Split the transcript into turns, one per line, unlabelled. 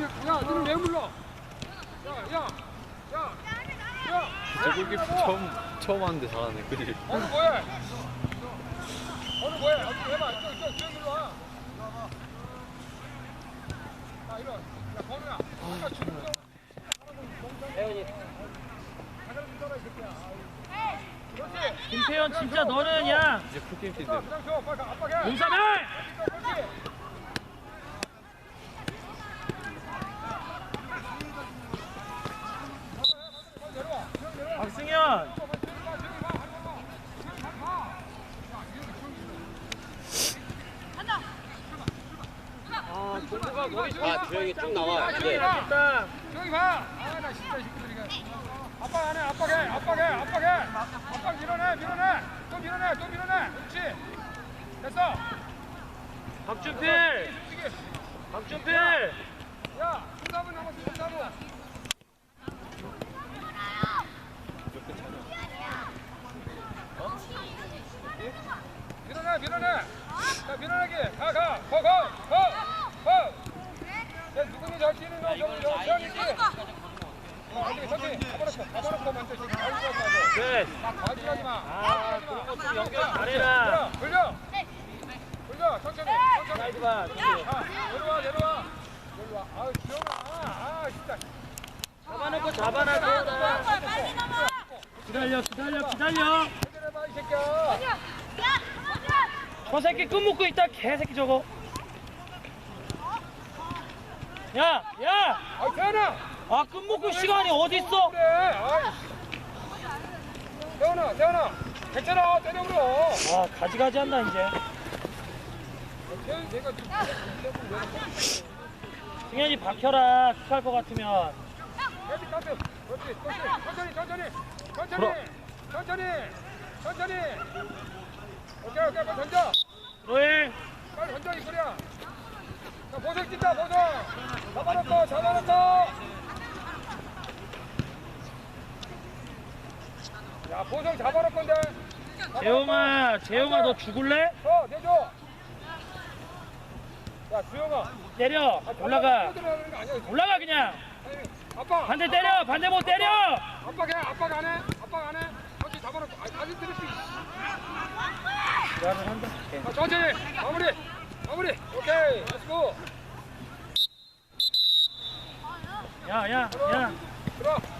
야, 너는 왜 물러? 야.
저기 처음 하는데 잘하네. 그지?
어느 뭐해? 어디 해봐. 이쪽 뒤에 눌러. 자, 이리 와. 야, 건우야. 아까 죽은
혜연이.
그렇지.
김태현 진짜 너는 야
이제 풀게임 뛰는데.
그냥 줘. 빨리 압박해.
용산해!
그렇지.
박승현! 아, 동구가 머리
아, 조용히 쭉 나와. 이제.
됐다.
저기 봐. 아, 나 진짜 식구들 이거. 압박 안 해. 압박 밀어내. 또 밀어내. 그렇지. 됐어.
박준필! 박준필!
야, 3분 남았어. 3분. 밀어내. 자, 밀어내기. 가. 야, 누구니 잘 뛰는 거 좀 세워야지. 천천히. 가봐놓고 먼저 지금 가지하지
네.
마.
아, 그런 것도 연결 잘해라.
돌려. 천천히.
사이드 봐.
내려와. 아유, 기영아. 진짜.
잡아놓고 잡아놔. 기다려.
해결해봐, 이 새끼야.
저 새끼 끈 묶고 있다. 개새끼 저거. 야!
아, 태연아.
아, 끈 묶을 시간이 어딨어?
그래. 아이. 태연아. 괜찮아. 때려 물어.
와, 가지가지 한다, 이제.
태연이 내가 좀
승현이 박혀라. 킥할 것 같으면.
헤비 카트. 그렇지. 천천히. 오케이. 빨리 던져.
로일.
빨리 던져, 이 소리야. 자, 보석 뛴다. 잡아놓고. 야, 보석 잡아놓을 건데.
재용아, 너 죽을래?
내줘. 야, 주영아.
때려. 올라가.
들어가는 거 아니야.
올라가, 그냥.
아빠.
반대 때려. 반대 못 때려.
압박 안 해. 천천히 잡아놓고. 다시 들을 수 있어.
나는 한다.
천천히. 마무리. 오케이. 렛츠고.
야.
들어.